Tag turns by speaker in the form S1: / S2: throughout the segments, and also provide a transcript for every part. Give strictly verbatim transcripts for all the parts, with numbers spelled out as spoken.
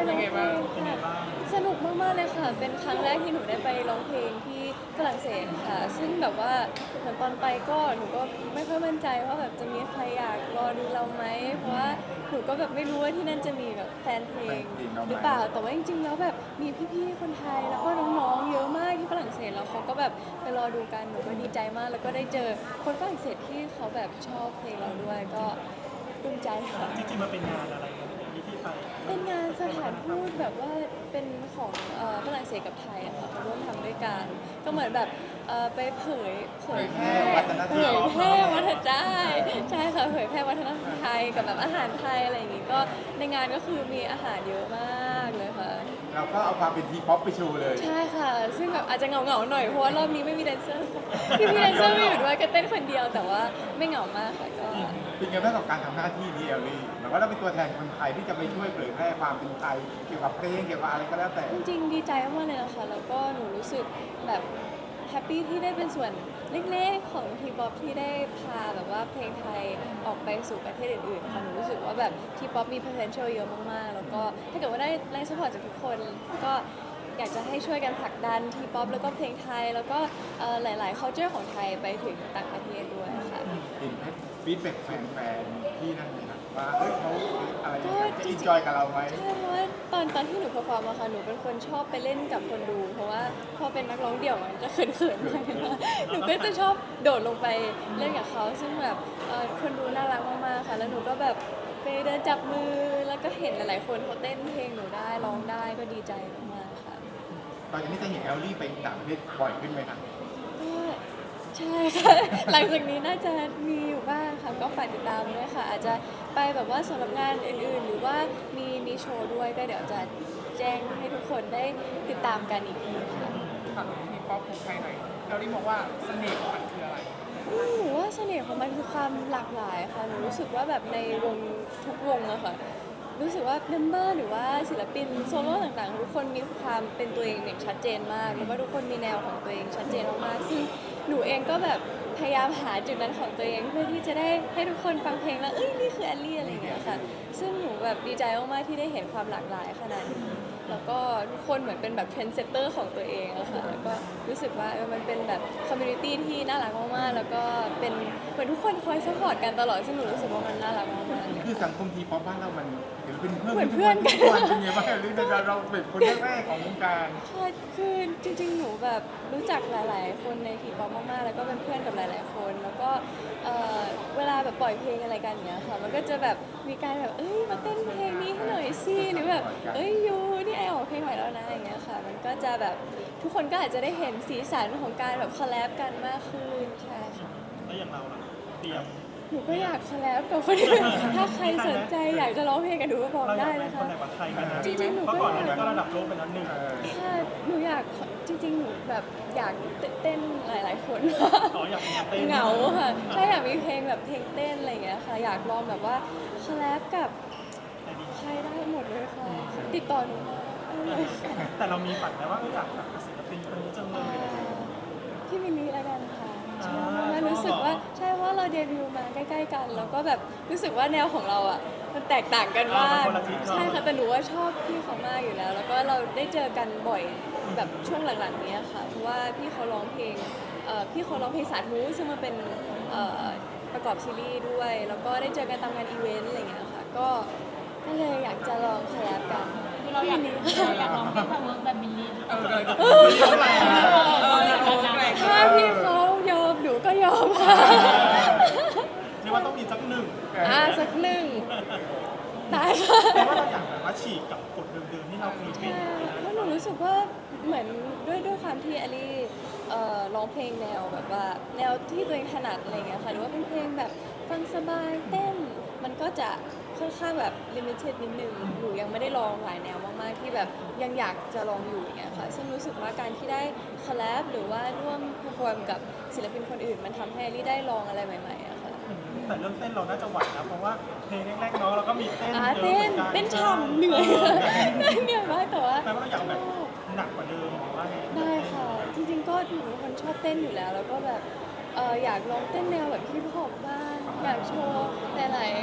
S1: ร้องเพลง
S2: เป็นไง
S1: ค่ะ
S2: บ้าง
S1: สนุกมากๆเลยค่ะเป็นครั้งแรกที่หนูได้ไปร้องเพลงที่ฝรั่งเศสค่ะซึ่งแบบว่าเหมือนตอนไปก็หนูก็ไม่ค่อยมั่นใจว่าแบบจะมีใครอยากรอดูเราไหมเพราะว่าหนูก็แบบไม่รู้ว่าที่นั่นจะมีแบบแฟนเพลงหรือเปล่าแต่ว่าจริงๆแล้วแบบมีพี่ๆคนไทยแล้วก็น้องๆเยอะมากที่ฝรั่งเศสแล้วเขาก็แบบไปรอดูกันหนูก็ดีใจมากแล้วก็ได้เจอคนฝรั่งเศสที่เขาแบบชอบเพลงเราด้วยก็ปลื้มใจค่ะ
S2: จริงๆมันเป็นงานอะไรกันที่ที่ไป
S1: เป็นงานสถานทูตแบบว่าเป็นของเอ่อฝรั่งเศสกับไทยอะค่ะมาร่วมทำด้วยกันก็เหมือนแบบเอ่อไปเผยเผยแพร่เผยแพร่วัฒนธรรมใช่ใช่ค่ะเผยแพร่วัฒนธรรมไทยกับแบบอาหารไทยอะไรอย่างงี้ก็ในงานก็คือมีอาหารเยอะมากเลยค่ะ
S3: เราก็เอาความเป็นทีป๊อปไปโชว์เลย
S1: ใช่ค่ะซึ่งแบบอาจจะเหงาเหงาๆหน่อยเพราะว่ารอบนี้ไม่มีแดนเซอร์พี่พี่แดนเซอร์ไม่อยู่ด้วยก็เต้นคนเดียวแต่ว่าไม่เหงามากค่ะก็
S3: เป็นไงบ้างกับการทำหน้าที่นี้เอลลี่เหมือนว่าเราเป็นตัวแทนคนไทยที่จะไปช่วยเผยแพร่ความเป็นไทยเกี่ยวกับเพลงเกี่ยวกับอะไรก็แล้วแต่
S1: จริงๆดีใจมากเลยนะคะแล้วก็หนูรู้สึกแบบแฮปปี้ที่ได้เป็นส่วนเล็กๆของทีป๊อปที่ได้พาแบบว่าเพลงไทยออกไปสู่ประเทศอื่นๆค่ะหนูรู้สึกว่าแบบทีป๊อปมี potential เยอะมากๆแล้วก็ถ้าเกิดว่าได้แรงสปอร์ตจากทุกคนก็อยากจะให้ช่วยกันผลักดันทีป๊อปแล้วก็เพลงไทยแล้วก็เอ่อหลายๆ culture ของไทยไปถึงต่างประเทศด้วยค่ะ
S3: เห็นฟีดแบ็กแฟนๆที่นั่นไหมครับว่าเอ้ยเขาอะไร
S1: ก็
S3: จะ
S1: จริ
S3: อิ
S1: ง
S3: น
S1: ๆ
S3: จอยกับเราไหม
S1: ใช่เพราะว่าตอนตอนที่หนูเพอร์ฟอร์มอะค่ะหนูเป็นคนชอบไปเล่นกับคนดู เพราะว่าพอเป็นนักร้องเดี่ยวมันจะเขินๆหน่อยนะหนูก็จะชอบโดดลงไปเล่นกับเขาซึ่งแบบเอ่อคนดูน่ารักมากๆค่ะแล้วหนูก็แบบไปเดินจับมือแล้วก็เห็นหลายๆคนเขาเต้นเพลงหนูได้ร้องได้ก็ดีใจมากๆค่ะ
S3: ตอนนี้จะเห็นเอลลี่ไปต่างประเทศบ่อยขึ้นไหมครับ
S1: ก็ใช่ค่ะ หลังจากนี้น่าจะมีอยู่บ้างค่ะก็ฝากติดตามด้วยค่ะ อาจจะไปแบบว่าสำหรับงานอื่นๆ หรือว่ามีมีโชว์ด้วยก็เดี๋ยวจะแจ้งให้ทุกคนได้ติดตามกันอีกทีค่ะ
S4: ถามทีป๊อปของไทยหน่อยเราได้บอกว่าเสน่ห์ของมันคืออะไร
S1: อืมหนูว่าเสน่ห์ของมันคือความหลากหลายค่ะหนูรู้สึกว่าแบบในวงทุกวงอะค่ะรู้สึกว่าเมมเบอร์หรือว่าศิลปินโซโล่ต่างๆ ทุกคนมีความเป็นตัวเองอย่างชัดเจนมาก แล้วก็ทุกคนมีแนวของตัวเองชัดเจนมากๆซึ่งหนูเองก็แบบพยายามหาจุดนั้นของตัวเองเพื่อที่จะได้ให้ทุกคนฟังเพลงแล้วเอ้ยนี่คือแอลลี่อะไรอย่างเงี้ยค่ะซึ่งหนูแบบดีใจมากๆที่ได้เห็นความหลากหลายขนาดนี้แล้วก็ทุกคนเหมือนเป็นแบบเทรนด์เซตเตอร์ของตัวเองอะค่ะแล้วก็รู้สึกว่าเออมันเป็นแบบคอมมูนิตี้ที่น่ารักมากๆแล้วก็เป็นเหมือนทุกคนคอยซัพพอร์ตกันตลอดซึ่งหนูรู้สึกว่ามันน่ารักมากๆ
S3: คือสังคมทีป๊อปบ้านเรามันถือเป็นเพื่อน
S1: เหมือนเพื่อนกัน
S3: ทุกวันเป็นไงบ้างเอลลี่เราเราเป็นคนแรกๆของวงการ
S1: ค่ะคือจริงๆ หนูแบบรู้จักหลายๆ คนในทีป๊อปมากๆ แล้วก็เป็นเพื่อนกับหลายๆ คน แล้วก็เอ่อเวลาแบบปล่อยเพลงอะไรกันอย่างเงี้ยค่ะ มันก็จะแบบมีการแบบเอ้ยมาเต้นเพลงนี้ให้หน่อยสิหรือแบบเอ้ยยูนี่ไอออกเพลงใหม่แล้วนะอย่างเงี้ยค่ะ มันก็จะแบบทุกคนก็อาจจะได้เห็นสีสันของการแบบคอลแลบกันมากขึ้นใช่ค่ะ
S2: แล้วอย่างเราล่ะเตรียม
S1: หนูก็อยากคอลแลบกับคนอื่นถ้าใครสนใจอยากจะร้องเพลงกับหนูก็บอก
S2: เราอยา
S1: ได้
S2: กเป็
S1: นะ
S2: นค
S1: คะ
S2: นไหนวัดไทยกันนะ
S1: จริงๆหนูก็
S2: เพราะก่อนอันนี้ก็ระดับโลกไปแล้วหนึ่ง
S1: ค่ะหนูอยากจริงๆ หนูแบบอยากเต้นหลายๆ คน
S2: อ๋ออยากมีเต้น
S1: เหงาค่ะใช่อยากมีเพลงแบบเพลงเต้นอะไรอย่างเงี้ยค่ะอยากลองแบบว่าคอลแลบกับใครได้หมดเลยค่ะติดต่อหนูมาได้เลยค่ะ
S2: แต่เรามีฝันไหมว่าเอออยากแบบศิลปินคนนี้จังเล
S1: อ่าย พี่มินนี่ละกันค่ะชอบ
S2: อ่าม
S1: ากๆรู้สึกว่า
S2: ชอบเหรอ
S1: ใช่ว่าเราเดบิวต์มาใกล้ๆกัน แล้วก็แบบรู้สึกว่าแนวของเราอ่ะมันแตกต่างกันมาก
S2: อ่ามันคนละทิศ
S1: ใช่ค่ะแต่หนูว่าชอบพี่เขามากอยู่แล้ว แล้วก็เราได้เจอกันบ่อยแบบช่วงหลังๆเนี้ยค่ะเพราะว่าพี่เขาร้องเพลงเอ่อพี่เขาร้องเพลงสาธุซึ่งมันเป็นเอ่อประกอบซีรีส์ด้วย แล้วก็ได้เจอกันตามงานอีเวนต์อะไรอย่างเงี้ยค่ะก็ก็เลยอยากจะลองคอลแลบกัน
S5: คือเราอยาก
S1: พี่มิน
S5: เรา
S1: นี่
S5: อยากลองที่ทำเวิร์กแบบมิลลี่
S4: เออเลย
S1: เออ
S4: เท่าไหร่เอออยากลองแรง
S1: ถ้าพี่เขายอมหนูก็ยอมค่ะ
S2: เรียกว่าต้องมีสักหนึ่ง
S1: อ่าสักหนึ่งได้ค่ะ
S2: แต่ว่าเราอยากแบบว่าฉีกกับกฎเดิมๆที่เราเคยเป็น
S1: ใช่เพราะหนูรู้สึกว่าเหมือนด้วยด้วยความที่อลี่เอ่อร้องเพลงแนวแบบว่าแนวที่ตัวเองถนัดอะไรเงี้ยค่ะหรือว่าเป็นเพลงแบบฟังสบายเต้น มันก็จะค่อนข้างแบบลิมิเต็ดนิดนึงหนูยังไม่ได้ลองหลายแนวมากๆที่แบบยังอยากจะลองอยู่อย่างเงี้ยค่ะซึ่งรู้สึกว่าการที่ได้คอลแลบหรือว่าร่วมเพอร์ฟอร์มกับศิลปินคนอื่น มันทำให้อลี่ได้ลองอะไรใหม่ๆอะค่ะ
S2: แต่เรื่องเต้นเราน่าจะไหวนะเพราะว่าเพลงแรกๆเนาะเราก็มีเต้น
S1: อ่า
S2: เยอะหมือกั
S1: เต้นเต้นฉ่ำเหนื่อยเหนื่อยมากแต่ว่า
S2: แปลว่าเราอยากแบบหนักกว่าเดิมหรือว่าไง
S1: ได้ค่ะ จริงๆก็หนูเป็นคนชอบเต้นอยู่แล้ว แล้วก็แบบเอออยากลองเต้นแนวแบบฮิปฮอปบ้างอยากโชว์หลายๆ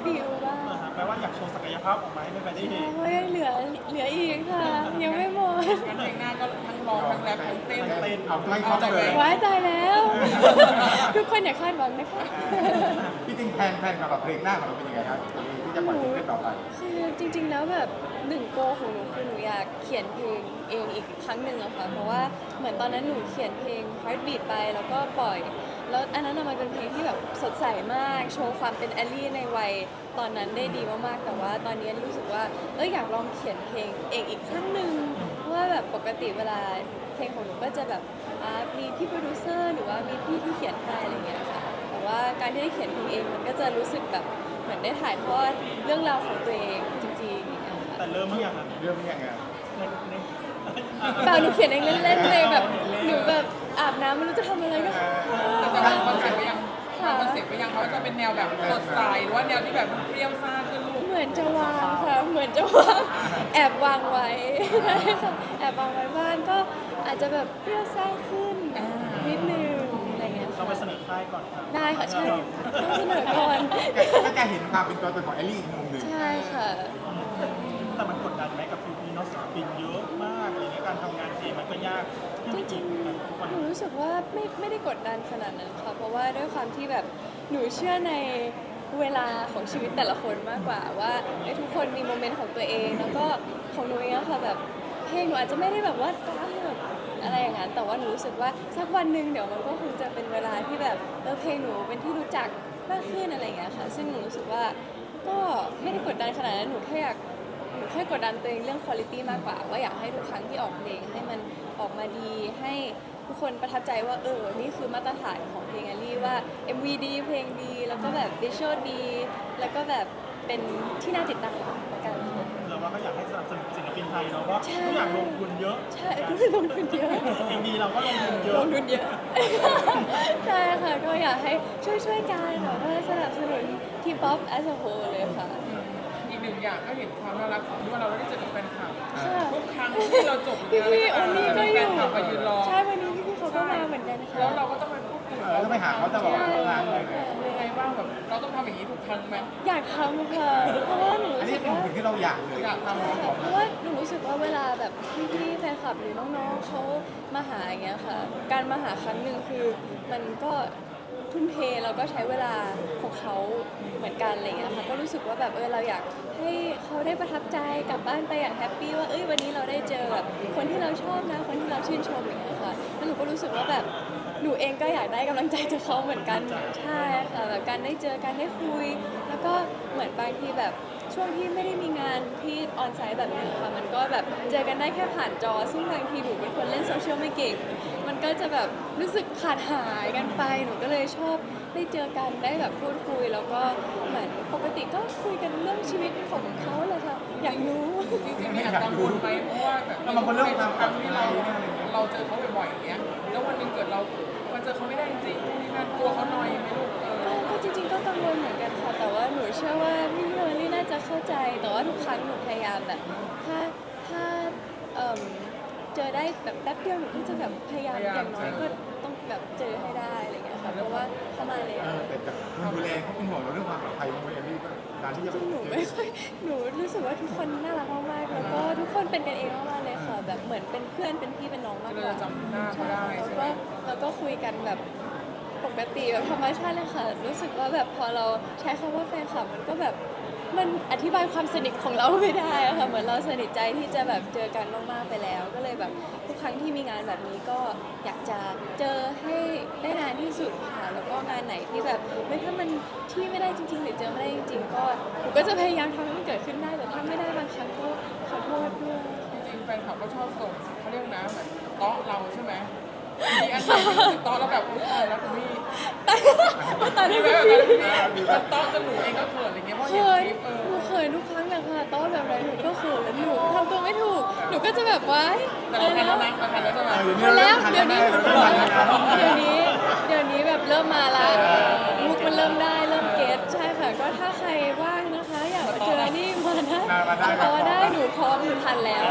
S1: ฟิลบ้าง
S2: อ่าฮะแปลว่าอยากโชว์ศักยภาพออกมาให้แฟนๆได้เห็น
S1: เพราะยังเหลือเหลืออีกค่ะ ยังไม่หมด
S4: งั้นเพลงหน้าก็ทั้งร้องทั้งแรปทั้งเต้น
S2: เต้น
S3: เอาไม่ครบเลย
S1: ว้ายตายแล้ว ทุกคนอย่าคาดหวังนะคะ
S3: พี่จริงแพลนแพลนกับเพลงหน้าของเราเป็นยังไงครับที่จะปล่อยซิงเกิลต่อไป
S1: คือจริงๆ แล้วแบบหนึ่งโกของหนูคือหนูอยากเขียนเพลงเองอีกครั้งหนึ่งอะค่ะ เพราะว่าเหมือนตอนนั้นหนูเขียนเพลง Heartbeat ไปแล้วก็ปล่อย แล้วอันนั้นอะมันเป็นเพลงที่แบบสดใสมาก โชว์ความเป็นแอลลี่ในวัยตอนนั้นได้ดีมากๆ แต่ว่าตอนนี้รู้สึกว่าเอออยากลองเขียนเพลงเองอีกครั้งหนึ่งเพราะว่าแบบปกติเวลาเพลงของหนูก็จะแบบอ่ามีพี่โปรดิวเซอร์หรือว่ามีพี่ที่เขียนให้อะไรเงี้ยค่ะ แต่ว่าการที่ได้เขียนเพลงเองมันก็จะรู้สึกแบบเหมือนได้ถ่ายทอดเรื่องราวของตัวเองจริงๆอย่างเงี้ยค่ะ
S2: แต่เริ่มเมื่อยังอ่ะ
S3: เรื่องนี้ยังไง
S2: ในใน
S1: เปล่าหนูเขียนเองเล่นๆเลยแบบหนูแบบอาบน้ำไม่รู้จะทำอะไรก็
S4: แต่จะวางคอนเซ็ปต์ไว้ยังวางคอนเซ็ปต์ไว้ยังเขาจะเป็นแนวแบบสดใสหรือว่าแนวที่แบบมันเปรี้ยวซ่าขึ้นลูก
S1: เหมือนจะวางค่ะเหมือนจะวางแอบวางไว้ใช่ค่ะแอบวางไว้บ้างก็อาจจะแบบเปรี้ยวซ่าขึ้นนิดนึงอะไรเงี้ย
S2: เรา
S1: ค่ะ
S2: ไปเสนอค่ายก่อนครับ
S1: ได้ค่ะใช่ต้องเสนอก่อน
S3: ก็จะเห็นความเป็นตัวตนของแอลลี่อีกมุมหนึ่ง
S1: ใช่ค่ะ
S2: แต่มันกดดันไหมกับพีพีเนาะศิลปินเยอะมากอะไรเงี้ยการทำงานเองมันก็ยาก
S1: จริงๆ หนูรู้สึกว่าไม่ไม่ได้กดดันขนาดนั้นค่ะ เพราะว่าด้วยความที่แบบหนูเชื่อในเวลาของชีวิตแต่ละคนมากกว่าว่าไอ้ยทุกคนมีโมเมนต์ของตัวเอง แล้วก็ของหนูเองอะค่ะแบบเพลงหนูอาจจะไม่ได้แบบว่าดังแบบอะไรอย่างนั้น แต่ว่าหนูรู้สึกว่าสักวันหนึ่งเดี๋ยวมันก็คงจะเป็นเวลาที่แบบเออเพลงหนูเป็นที่รู้จักมากขึ้นอะไรอย่างเงี้ยค่ะ ซึ่งหนูรู้สึกว่าก็ไม่ได้กดดันขนาดนั้น หนูแค่อยาก หนูแค่กดดันตัวเองเรื่องคุณภาพมากกว่าว่าอยากให้ทุกครั้งที่ออกเพลงให้มันออกมาดีให้ทุกคนประทับใจว่าเออนี่คือมาตรฐานของเพลงแอลลี่ว่า เอ็ม วี ดีเพลงดีแล้วก็แบบวิชวลดี แล้วก็แบบเป็นที่น่าติดตามละกันค่ะ
S2: เราว่าก็อยากให้สนับสนุนศิลปินไทยเนาะเพราะ
S1: ใช่
S2: ทุกอย่างลงทุนเยอะ
S1: ใช่ก็คือลงทุนเยอะ
S2: เองดีเราก็ลงทุนเย
S1: ล
S2: อะ
S1: งทุนเยอะ ใช่ค่ะก็อยากให้ช่วยช่วยๆกันแบบว่าสนับสนุนทีป๊อป as a whole เลยค่ะ
S4: อีกหนึ่งอย่างก็เห็นความน่ารักของที่ว่าเราได้เจอกับแฟนคลับ
S1: ค่ะ
S4: ทุกครั้งที่เราจบ
S1: พี่พี่ๆโอนี่ก็อยู่
S4: แฟนคลับมายืนรอ
S1: ใช่วันนี้พี่พี่ๆเขาก็มาเหมือนกันค่ะ
S4: แล้วเราก็ต้องไปพูดคุย
S3: เออต้องไปหาเขาตลอดเวลาเลย
S4: ยังไงบ้างแบบเราต้องทำอย่างนี้ทุกครั้งไหม
S1: อยากทำค่ะ เพราะว่าหนู
S3: อัน
S1: รู้
S3: นี้
S1: สึก
S3: เป็น
S1: ว่า
S3: สิ่งที่เราอยากเลย
S4: อยากทำ
S1: ใช่ค่ะเพราะว่าหนูรู้สึกว่าเวลาแบบพี่ๆแฟนคลับหรือน้องๆเขามาหาอย่างเงี้ยค่ะ การมาหาครั้งหนึ่งคือมันก็ทุ่มเทแล้วก็ใช้เวลาของเขาเหมือนกันอะไรเงี้ยค่ะ ก็รู้สึกว่าแบบเออเราอยากให้เขาได้ประทับใจกลับบ้านไปอย่างแฮปปี้ว่าเอ้ยวันนี้เราได้เจอแบบคนที่เราชอบนะ คนที่เราชื่นชมอย่างเงี้ยค่ะแล้วหนูก็รู้สึกว่าแบบหนูเองก็อยากได้กำลังใจจากเขาเหมือนกันใช่ค่ะแบบการได้เจอการได้คุย แล้วก็เหมือนบางทีแบบช่วงที่ไม่ได้มีงานที่ออนไซต์แบบนี้ค่ะมันก็แบบเจอกันได้แค่ผ่านจอ ซึ่งบางทีหนูเป็นคนเล่นโซเชียลไม่เก่ง มันก็จะแบบรู้สึกขาดหายกันไป หนูก็เลยชอบได้เจอกันได้แบบพูดคุย แล้วก็เหมือนปกติก็คุยกันเรื่องชีวิตของเขาเลยค่ะ อยากรู้
S4: จริงๆมีแอบกังวลไหมเพราะว่าแบบ
S3: แล้วบางคนเรื่องความปลอดภัย
S4: ที่เราเราเจอเขาบ่อยๆอย่างเงี้ยแล้ววันหนึงเกิดเรามาเจอเขาไม่ได้จริงๆนี่นั่นกลัวเขาหน่อยไหมลูกเออ
S1: ก็จริงๆก็กังวลเหมือนกันค่ะ แต่ว่าหนูเชื่อว่าพี่เฮอร์รี่น่าจะเข้าใจ แต่ว่าทุกครั้งหนูพยายามแบบ ถ้าถ้าเอิ่มเจอได้แบบแป๊บเดียวหนูก็จะแบบพยายามอย่างน้อยก็ต้องแบบเจอให้ได้อะไรเงี้ยค่ะ เพราะว่าเขามาแล้ว
S3: เออแต่จากคนดูแลเขาเป็นห่วงเราเรื่องความปลอดภัยของแอลลี่ก็การที่จะ
S1: จริงๆหนูไม่ค่อย หนูรู้สึกว่าทุกคนน่ารักมากๆ แล้วก็ทุกคนเป็นกันเองมากๆเลยค่ะ แบบเหมือนเป็นเพื่อนเป็นพี่เป็นน้องมาก
S4: เล
S1: ก
S4: ย
S1: ว่า
S4: จำหน้าเขาได้
S1: แล้ว
S4: ใช่ไหม
S1: ก็แล้วก็คุยกันแบบปกติแบบธรรมชาติเลยค่ะ รู้สึกว่าแบบพอเราใช้คำว่าแฟนคลับมันก็แบบมันอธิบายความสนิทของเราไม่ได้อะค่ะ เหมือนเราสนิทใจที่จะแบบเจอกันมากๆไปแล้ว ก็เลยแบบทุกครั้งที่มีงานแบบนี้ก็อยากจะเจอให้ได้นานที่สุดค่ะ แล้วก็งานไหนที่แบบไม่ถ้ามันที่ไม่ได้จริง ๆ หรือเจอไม่ได้จริง ๆ ก็หนูก็จะพยายามทำให้มันเกิดขึ้นได้ แต่ถ้าไม่ได้บางครั้งก็ขอโทษด้วย
S4: จริงๆแฟนคลับก็ชอบส่งเขาเรียกนะเหมือนเตาะเราใช่ไหมมีอันไหนที่รู้สึกเตาะแล้วแบบอุ๊ยตายแล้วคุณพี่
S1: ตอน
S4: มี
S1: นี้
S4: ไหม
S1: ไม่
S4: แบบ
S1: มี
S4: นั้นคุณพี่มันเตาะจนหนูเองก็เขินอะไรเงี้ยเพราะ
S1: เค
S4: เห็น
S1: ย
S4: คลิปเออ
S1: หนูเคยทุกครั้งเลยค่ะต้อนแบบไหนหนูก็เขินหนูทำตัวไม่ถูก หนูก็จะแบบว้าย
S4: แต่เราทันแล้วนะเราทันแล้วใช่ไหม
S1: ทันแล้วเดี๋ยวนี้หนู
S3: เริ่ม
S1: บอก
S3: ทันแล้วนะ
S1: เดี๋ยวนี้เดี๋ยวนี้แบบเริ่มมาละมุกมันเริ่มได้เริ่มเก็ตใช่ค่ะ ก็ถ้าใครว่างนะคะ อยากมาเจอนี่มาได้
S3: มาได้
S1: มาได้หนูพร้อมหนูทันแล้ว